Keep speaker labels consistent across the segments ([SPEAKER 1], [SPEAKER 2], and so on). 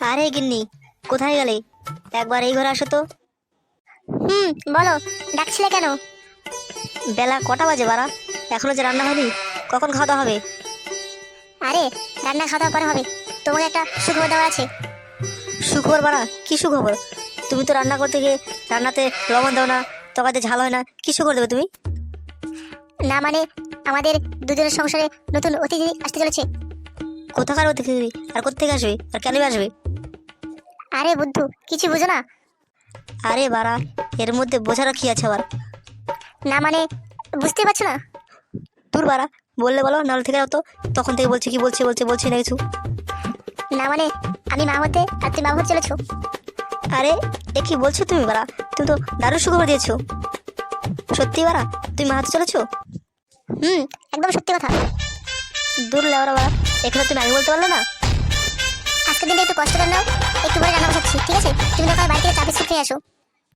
[SPEAKER 1] আরে গিন্নি, কোথায় গেলে? একবার এই ঘরে আসো তো।
[SPEAKER 2] বলো, ডাকছিলে কেন?
[SPEAKER 1] বেলা কটা বাজে বাড়া? এখনো যে রান্না হয়নি, কখন খাওয়া দাওয়া হবে?
[SPEAKER 2] আরে, রান্না খাওয়া দাওয়া পরে হবে। তোমাকে একটা সুখবর দেওয়া আছে।
[SPEAKER 1] সুখবর বাড়া? কি সুখবর? তুমি তো রান্না করতে গিয়ে রান্নাতে লবণ দাও না, তরকারিতে ঝাল হয় না, কি সুখবর দেবে তুমি?
[SPEAKER 2] না মানে, আমাদের দুজনের সংসারে নতুন অতিথি আসতে চলেছে।
[SPEAKER 1] কোথাকার অতিথি? আর কোত্থেকে আসবে? আর কেন আসবে?
[SPEAKER 2] আরে বুদ্ধু, কিছু বুঝো না?
[SPEAKER 1] আরে বাড়া, এর মধ্যে বোঝারও কি আছে আবার?
[SPEAKER 2] না মানে, বুঝতে পারছো না?
[SPEAKER 1] দূর বাড়া, বললে বলো, নাহলে থেকে যাও তো। তখন থেকে বলছি কি বলছি না কিছু।
[SPEAKER 2] না মানে, আমি মা হতে আর তুমি বাবা হতে চলেছো।
[SPEAKER 1] আরে, এ কি বলছো তুমি বাড়া? তুমি তো দারুণ সুখবর দিয়েছো। সত্যি বাড়া, তুমি মা হতে চলেছো?
[SPEAKER 2] একদম সত্যি কথা।
[SPEAKER 1] দূর লেওরা বাড়া, এখানে তুমি আগে বলতে পারলে না?
[SPEAKER 2] আজকের দিনটা একটু কষ্ট করে নাও। একটু পরে রান্না বসাচ্ছি, ঠিক আছে? তুমি দরকার বাড়ি থেকে চা বিস্কুট খেয়ে আসো।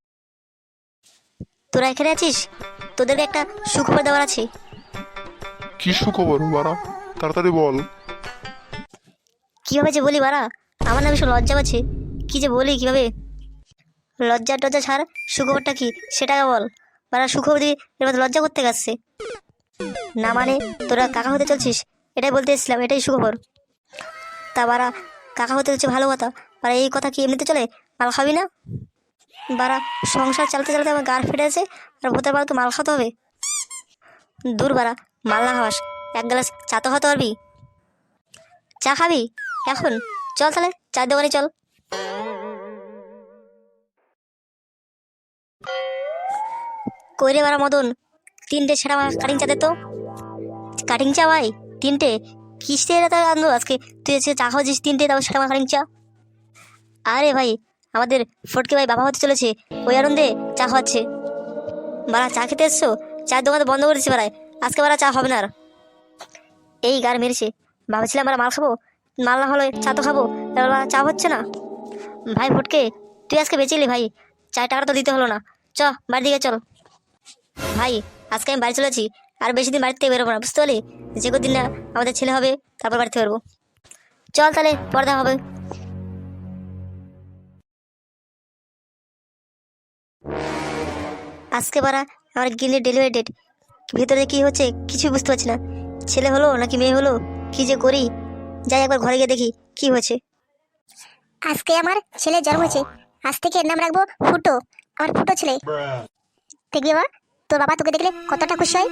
[SPEAKER 1] তোরা এখানে আছিস, তোদেরকে একটা সুখবর দেওয়ার আছে।
[SPEAKER 3] কি সুখবর বাড়া, তাড়াতাড়ি বল।
[SPEAKER 1] কিভাবে যে বলি বাড়া, আমার না ভীষণ লজ্জা পাচ্ছে। কি যে বলি কিভাবে? লজ্জা টজ্জা ছাড়, সুখবরটা কি সেটাকে বল। বাড়া সুখবর দিয়ে এর মধ্যে লজ্জা করতে গেছে। না মানে, তোরা কাকা হতে চলছিস, এটাই বলতে এসেছিলাম, এটাই সুখবর। তা বাড়া, কাকা হতে হচ্ছে ভালো কথা, বাড়া এই কথা কি এমনিতে চলে? মাল খাবি না? বাড়া, সংসার চালাতে চালাতে আমার গার ফেটে আছে, আর ভূতের বাড়া তো মাল খাতে হবে। দূর বাড়া, মাল না খাওয়াস, এক গ্লাস চা তো খাতে পারবি। চা খাবি এখন? চল তাহলে চার দোকানে চল। কইরে বাড়া মদন, 3টে ছেঁড়া কাটিং চা দে তো। কাটিং চা ভাই? 3টে? কিসে আনলো আজকে? তুই এসে চা খাওয়াছিস 3টে, তারপর ছেঁড়া কাটিং চা? আরে ভাই, আমাদের ফটকে ভাই বাবা হতে চলেছে, ওই আনন্দে চা খাওয়াচ্ছে। বাড়া চা খেতে এসছো? চায়ের দোকান তো বন্ধ করে দিচ্ছি বাড়ায়, আজকে বাড়া চা হবে না আর। এই গার মেরেছে, ভাবছিলাম আমরা মাল খাবো, মাল না হলে চা তো খাবো, এবার বাড়া চা হচ্ছে না। ভাই ফটকে, তুই আজকে বেঁচেলি ভাই, চায়ের টাকাটা তো দিতে হলো না। চ বাড়ির দিকে চল। ভাই, আজকে আমি বাড়ি চলেছি, আর বেশি দিন বাড়িতে বেরোবো না, বুঝতে পারলি? যে কদিন না আমাদের ছেলে হবে, তারপর বাড়িতে বেরোবো। চল তাহলে, পর্দা হবে। আজকে বারা আমার গিন্নির ডেলিভারি ডেট, ভিতরে কি হচ্ছে কিছু বুঝতে পারছি না। ছেলে হলো নাকি মেয়ে হলো, কি যে করি। যাই একবার ঘরে গিয়ে দেখি কি হয়েছে।
[SPEAKER 2] আজকে আমার ছেলের জন্ম হয়েছে। আজ থেকে এর নাম রাখবো ফুটো। আমার ফুটো ছেলে। দেখবি বাবা, তোর বাবা তোকে দেখলে কতটা খুশি হয়।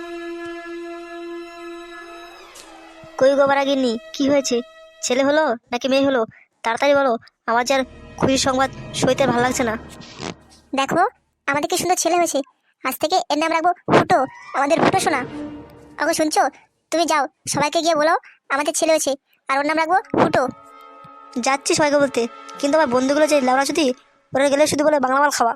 [SPEAKER 1] কই গো বারা গিন্নি, কি হয়েছে? ছেলে হলো নাকি মেয়ে হলো? তাড়াতাড়ি বলো, আমার যার খুশির সংবাদ সইতে ভালো লাগছে না।
[SPEAKER 2] দেখো, আমাদের কি সুন্দর ছেলে হয়েছে। আজ থেকে এর নাম রাখবো ফুটো, আমাদের ফুটো সোনা। ওগো শুনছো? তুমি যাও, সবাইকে গিয়ে বলো আমাদের ছেলে হয়েছে, আর ওর নাম রাখবো ফুটো।
[SPEAKER 1] যাচ্ছি সবাইকে বলতে, কিন্তু আমার বন্ধুগুলো যে লাউড়া যদি, ওরা গেলে শুধু বলে বাংলা মাল খাওয়া।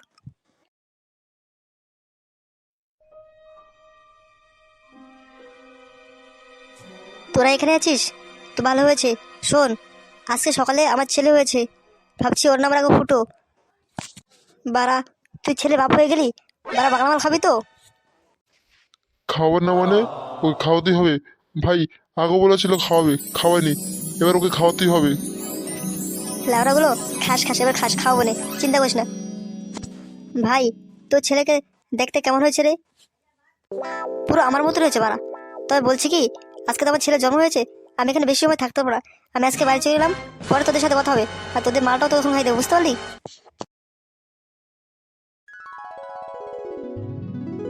[SPEAKER 1] তোরা এখানে আছিস তো ভালো হয়েছে। শোন, আজকে সকালে আমার ছেলে হয়েছে, ভাবছি ওর নাম রাখবো ফুটো। বারা, তুই ছেলে বাপ হয়ে গেলি, বারা বাংলা মাল খাবি তো?
[SPEAKER 3] খাওয়ার না মানে, ওকে খাওয়াতেই হবে। ভাই আগে বলেছিল খাওয়াবে, খাওয়ায়নি, এবার ওকে খাওয়াতেই হবে।
[SPEAKER 1] লাউড়াগুলো খাস খাস, এবার খাস, খাওয়াবো না, চিন্তা করিস না। ভাই, তোর ছেলেকে দেখতে কেমন হয়েছে রে? পুরো আমার মতো হয়েছে বাড়া। তবে বলছি কি, আজকে তো আমার ছেলে জন্ম হয়েছে, আমি এখানে বেশি সময় থাকতে পারবো না। আমি আজকে বাড়ি চলে গেলাম, পরে তোদের সাথে কথা হবে, আর তোদের মালটাও তো তখন খাই দেবো, বুঝতে পারলি?